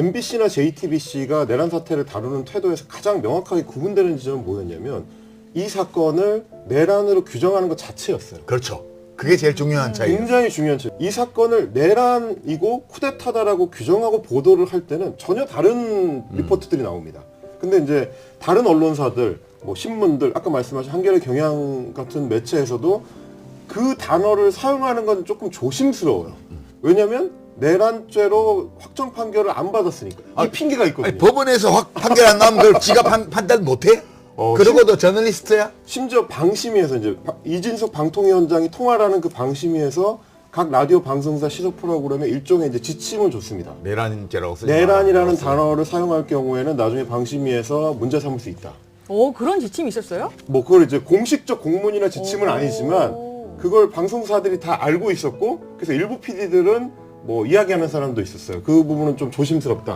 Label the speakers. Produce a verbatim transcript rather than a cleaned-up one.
Speaker 1: 엠비씨나 제이티비씨가 내란 사태를 다루는 태도에서 가장 명확하게 구분되는 지점은 뭐였냐면 이 사건을 내란으로 규정하는 것 자체였어요.
Speaker 2: 그렇죠. 그게 제일 중요한 차이예요.
Speaker 1: 굉장히 중요한 차이. 이 사건을 내란이고 쿠데타다라고 규정하고 보도를 할 때는 전혀 다른 리포트들이 나옵니다. 근데 이제 다른 언론사들, 뭐 신문들, 아까 말씀하신 한겨레 경향 같은 매체에서도 그 단어를 사용하는 건 조금 조심스러워요. 왜냐면 내란죄로 확정 판결을 안 받았으니까. 이
Speaker 2: 아,
Speaker 1: 핑계가 있거든요.
Speaker 2: 아니, 법원에서 확 판결 안 나오면 그걸 지가 판, 판단 못해?
Speaker 1: 어,
Speaker 2: 그러고도 저널리스트야?
Speaker 1: 심지어 방심위에서 이제 바- 이진석 방통위원장이 통화라는 그 방심위에서 각 라디오 방송사 시사 프로그램에 일종의 이제 지침을 줬습니다.
Speaker 2: 내란죄라고 쓰지
Speaker 1: 내란이라는
Speaker 2: 마라.
Speaker 1: 단어를 사용할 경우에는 나중에 방심위에서 문제 삼을 수 있다.
Speaker 3: 오, 그런 지침이 있었어요?
Speaker 1: 뭐 그걸 이제 공식적 공문이나 지침은
Speaker 3: 오.
Speaker 1: 아니지만 그걸 방송사들이 다 알고 있었고 그래서 일부 피디들은 뭐 이야기하는 사람도 있었어요. 그 부분은 좀 조심스럽다.